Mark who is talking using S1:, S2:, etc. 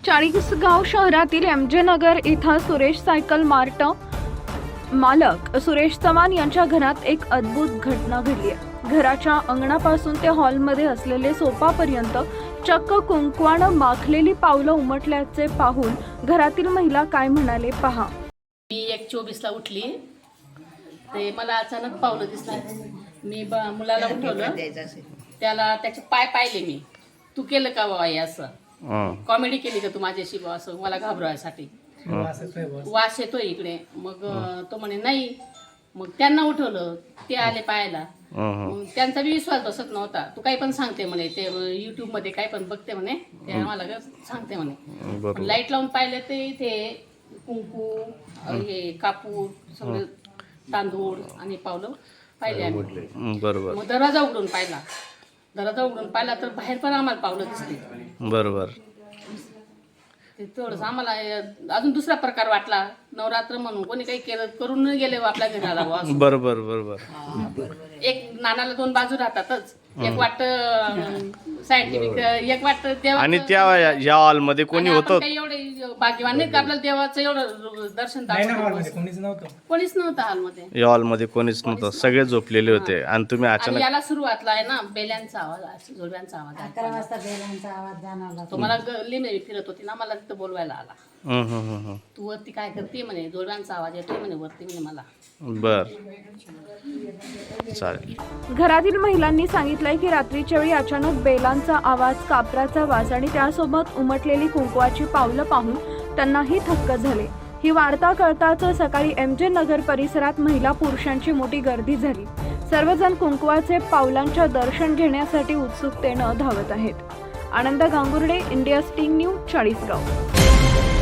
S1: चाळीसगाव शहरातील एमजे नगर इथं Suresh cycle mart मालक सुरेश चव्हाण यांच्या घरात एक अद्भुत घटना घडली आहे। घराच्या अंगणापासून ते हॉलमध्ये असलेले सोफापर्यंत चक्क कुंकवानं माखलेली पावलं उमटल्याचे पाहून घरातील महिला काय म्हणाले पहा।
S2: मी 1:24ला उठली, ते मला अचानक पावलं दिसलं। मी मुलाला उठवलं, त्याला त्याचे पाय पाहिले। मी तू केलं का बाबा हे असं, कॉमेडी केली का तू माझ्याशी बा असं मला घाबरवायसाठी, वास येतोय इकडे। मग तो म्हणे नाही। मग त्यांना उठवलं, ते आले पाहायला। मग त्यांचा बी विश्वास बसत नव्हता। तू काही पण सांगते म्हणे, ते YouTube मध्ये काही पण बघते म्हणे, ते आम्हाला सांगते म्हणे। लाईट लावून पाहिले ते इथे कुंकू, हे कापूर, सगळे तांदूळ आणि पावलं पाहिले आम्ही।
S3: बरोबर।
S2: मग दरवाजा उघडून पाहिला तर बाहेर पण आम्हाला पावलं दिसली।
S3: बरोबर।
S2: ते थोडंसं आम्हाला अजून दुसरा प्रकार वाटला। नवरात्र म्हणून कोणी काही करून न गेले आपल्या घराला।
S3: बरोबर बरोबर।
S2: एक नाण्याला दोन बाजू राहतातच, एक वाटतं सायंटिफिक, एक वाटतं देवाचं।
S3: आणि त्या या हॉलमध्ये कोणी होतं?
S2: काही एवढे भाग्यवान नाही का आपल्याला देवाचं एवढं दर्शन कोणीच नव्हतं हॉलमध्ये।
S3: या हॉलमध्ये कोणीच नव्हतं, सगळे झोपलेले होते आणि तुम्ही
S2: आणि
S3: अचानक
S2: याला सुरुवातला आहे ना बेल्यांचा आवाज, जोडव्यांचा आवाज।
S4: 11 वाजता बेलांचा आवाज जाणवला।
S2: तो मला गल्लीमध्ये फिरत होती ना, मला तिथं बोलवायला आला। तू वरती काय करते म्हणे, जोडव्यांचा आवाज येतोय म्हणे वरती म्हणे मला।
S3: बर, चालेल।
S1: घरातील महिलांनी सांगितलंय की रात्रीच्या वेळी अचानक बेलांचा आवाज, कापराचा वास आणि त्यासोबत उमटलेली कुंकवाची पावलं पाहून त्यांनाही थक्क झाले। ही वार्ता कळताच सकाळी एमजे नगर परिसरात महिला पुरुषांची मोठी गर्दी झाली। सर्वजण कुंकवाचे पावलांच्या दर्शन घेण्यासाठी उत्सुकतेनं धावत आहेत। Anand Gangurde, India sting news, Chalisgaon.